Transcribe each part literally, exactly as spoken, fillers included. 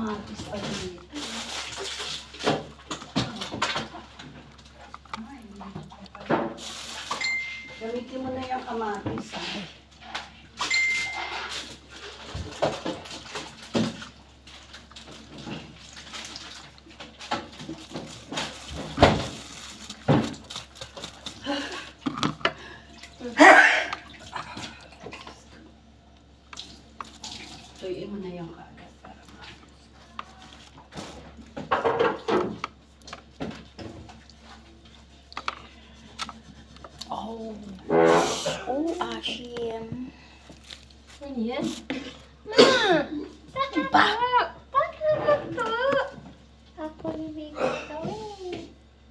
kamatis pa dito. Gamitin mo na yung kamatis, ha? Tuyuin mo na yung kaagad para ma- Oh. Oh, Ashim. Ano yan? Ma! Ba? Bakit ito? Ako bibigyan ito eh.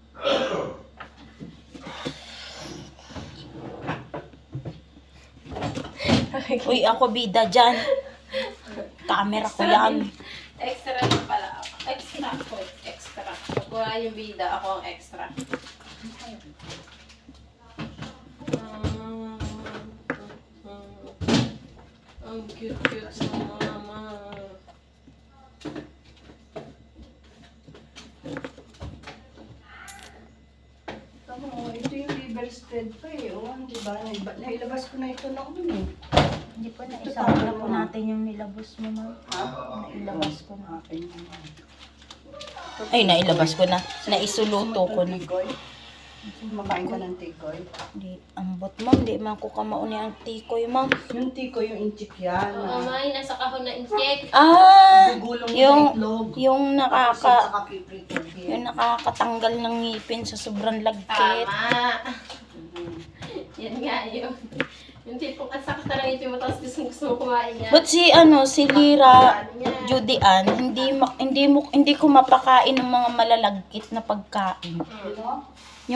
Uy, ako bida dyan. Camera ko yan. Extra na pala ako. Extra ako. Extra. Pag wala yung bida, ako ang extra. Mm, ang cute-cute sa mama. Tama, oh, ito yung liver spread pa eh. Oh, di ba? Naiba- Nailabas ko na ito noon eh. Hindi pa naisama na po natin yung nilabos mo, ma'am. Ha? Nailabas ko na. Akin naman. Ay, nailabas ko na. Naisuluto ko na. Tikoy? Kumakain ka ng tikoy? Di, ambot, ma'am. Di man ko kamauni ang tikoy, ma'am. Yung tikoy, yung inchik yan. Oo, may nasa kahon na incheck. Ah! Gugulong mo Yung, sa itlog. yung Tapos nakaka... saka piprito din. Yung nakakatanggal ng ngipin sa sobrang lagkit. Tama. Mhm. Yan nga yun. Yung tipong ang sakit na lang ito mo, tapos gusto, gusto mo kumain yan. But si ano, si Lira, Ano yan? Judy Ann, hindi ma- hindi mo hindi ko mapakain ng mga malalagkit na pagkain. Ano?